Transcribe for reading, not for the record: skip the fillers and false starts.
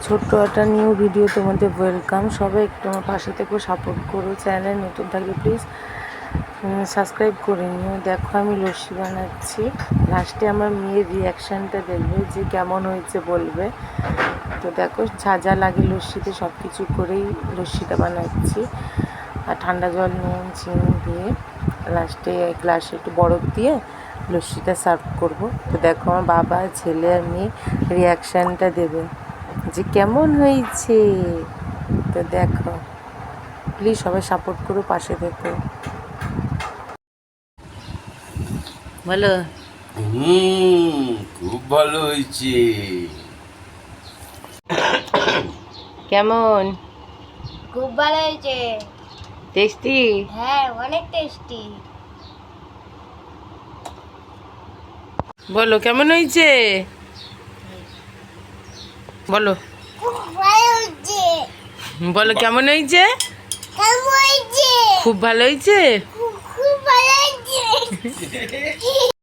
ছোট্ট একটা new video তোমাদের ওয়েলকাম। সবাই একটু আমার পাশে থেকে সাপোর্ট করো। চ্যানেল নতুন থাকলে প্লিজ সাবস্ক্রাইব করে নিও। দেখো আমি লস্যি বানাচ্ছি। লাস্টে আমার মেয়ের রিয়াকশানটা দেখবে যে কেমন হয়েছে বলবে। তো দেখো যা যা লাগে লস্যিতে সব কিছু করেই লস্যিটা বানাচ্ছি। আর ঠান্ডা জল, নুন, চিনি দিয়ে লাস্টে গ্লাসে একটু বরফ দিয়ে লস্যিটা সার্ভ করব। তো দেখো আমার বাবা, ছেলে আর মেয়ে রিয়াকশানটা দেবে যে কেমন হয়েছে। তো দেখো প্লিজ সবাই সাপোর্ট করো, পাশে দেখো। বলো। খুব ভালো হয়েছে। কেমন? খুব ভালো হয়েছে। টেস্টি? হ্যাঁ, অনেক টেস্টি। বলো কেমন হয়েছে, বলো। খুব ভালো হয়েছে। বলো কেমন হয়েছে? কেমন হয়েছে? খুব ভালো হয়েছে। খুব ভালো হয়েছে।